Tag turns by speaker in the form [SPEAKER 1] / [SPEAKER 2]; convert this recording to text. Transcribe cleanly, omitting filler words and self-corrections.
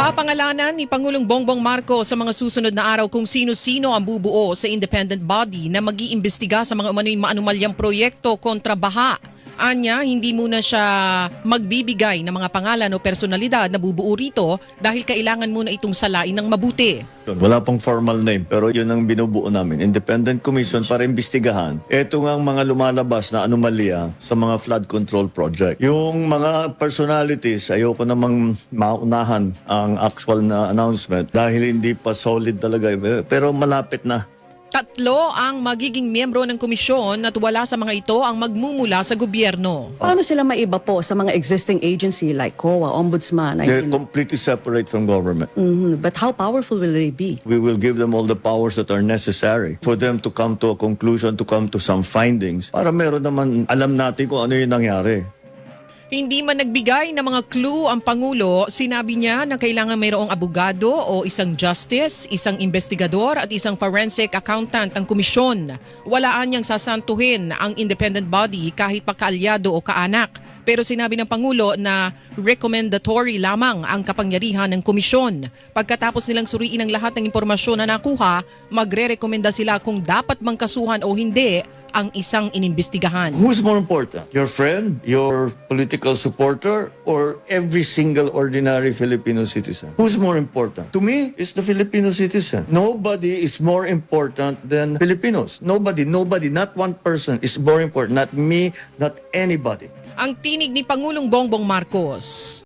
[SPEAKER 1] Papangalanan ni Pangulong Bongbong Marcos sa mga susunod na araw kung sino-sino ang bubuo sa independent body na mag-iimbestiga sa mga umano'y maanumalyang proyekto kontra baha. Anya, hindi muna siya magbibigay ng mga pangalan o personalidad na bubuo rito dahil kailangan muna itong salain ng mabuti.
[SPEAKER 2] Wala pang formal name pero yun ang binubuo namin. Independent Commission para imbestigahan. Ito nga ang mga lumalabas na anomalya sa mga flood control project. Yung mga personalities, ayoko namang maunahan ang actual na announcement dahil hindi pa solid talaga. Pero malapit na.
[SPEAKER 1] 3 ang magiging miyembro ng komisyon at wala sa mga ito ang magmumula sa gobyerno.
[SPEAKER 3] Paano sila maiba po sa mga existing agency like COA, Ombudsman?
[SPEAKER 2] They're completely separate from government.
[SPEAKER 3] But how powerful will they be?
[SPEAKER 2] We will give them all the powers that are necessary for them to come to a conclusion, to come to some findings para meron naman alam natin kung ano yung nangyari.
[SPEAKER 1] Hindi man nagbigay ng mga clue ang Pangulo, sinabi niya na kailangan mayroong abogado o isang justice, isang investigador at isang forensic accountant ang komisyon. Walaan niyang sasantuhin ang independent body kahit pa kaalyado o kaanak. Pero sinabi ng Pangulo na recommendatory lamang ang kapangyarihan ng komisyon. Pagkatapos nilang suriin ang lahat ng impormasyon na nakuha, magre-rekomenda sila kung dapat bang kasuhan o hindi ang isang inimbestigahan.
[SPEAKER 2] Who's more important? Your friend, your political supporter, or every single ordinary Filipino citizen? Who's more important? To me, it's the Filipino citizen. Nobody is more important than Filipinos. Nobody, not one person is more important. Not me, not anybody.
[SPEAKER 1] Ang tinig ni Pangulong Bongbong Marcos.